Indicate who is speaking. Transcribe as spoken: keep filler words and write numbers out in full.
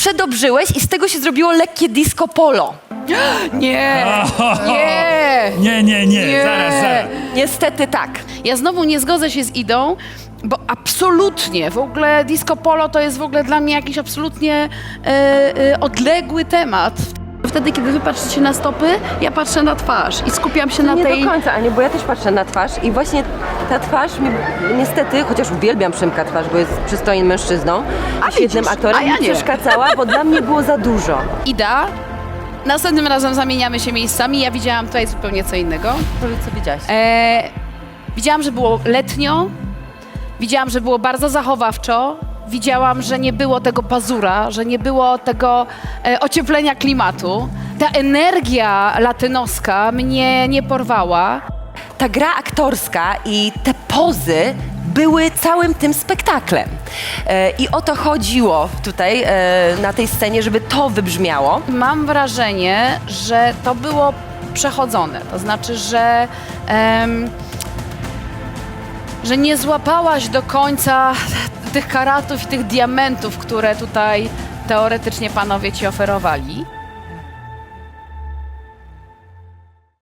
Speaker 1: przedobrzyłeś i z tego się zrobiło lekkie disco polo.
Speaker 2: Nie, nie.
Speaker 3: Nie, nie, nie,
Speaker 2: Nie.
Speaker 3: zaraz, zaraz.
Speaker 1: Niestety tak.
Speaker 2: Ja znowu nie zgodzę się z Idą, bo absolutnie, w ogóle disco polo to jest w ogóle dla mnie jakiś absolutnie e, e, odległy temat. Wtedy, kiedy wy patrzycie na stopy, ja patrzę na twarz i skupiam się na
Speaker 4: Nie
Speaker 2: tej...
Speaker 4: do końca, Aniu, bo ja też patrzę na twarz i właśnie ta twarz mi niestety, chociaż uwielbiam Przemka twarz, bo jest przystojnym mężczyzną i świetnym
Speaker 2: widzisz,
Speaker 4: aktorem,
Speaker 2: a ja
Speaker 4: mi
Speaker 2: nie.
Speaker 4: przeszkadzała, bo dla mnie było za dużo.
Speaker 2: Ida, następnym razem zamieniamy się miejscami, ja widziałam tutaj zupełnie co innego.
Speaker 4: Powiedz, co widziałaś.
Speaker 2: E, widziałam, że było letnio, widziałam, że było bardzo zachowawczo, widziałam, że nie było tego pazura, że nie było tego e, ocieplenia klimatu. Ta energia latynoska mnie nie porwała.
Speaker 1: Ta gra aktorska i te pozy były całym tym spektaklem. E, I o to chodziło tutaj e, na tej scenie, żeby to wybrzmiało.
Speaker 2: Mam wrażenie, że to było przechodzone, to znaczy, że, em, że nie złapałaś do końca tych karatów i tych diamentów, które tutaj teoretycznie panowie ci oferowali.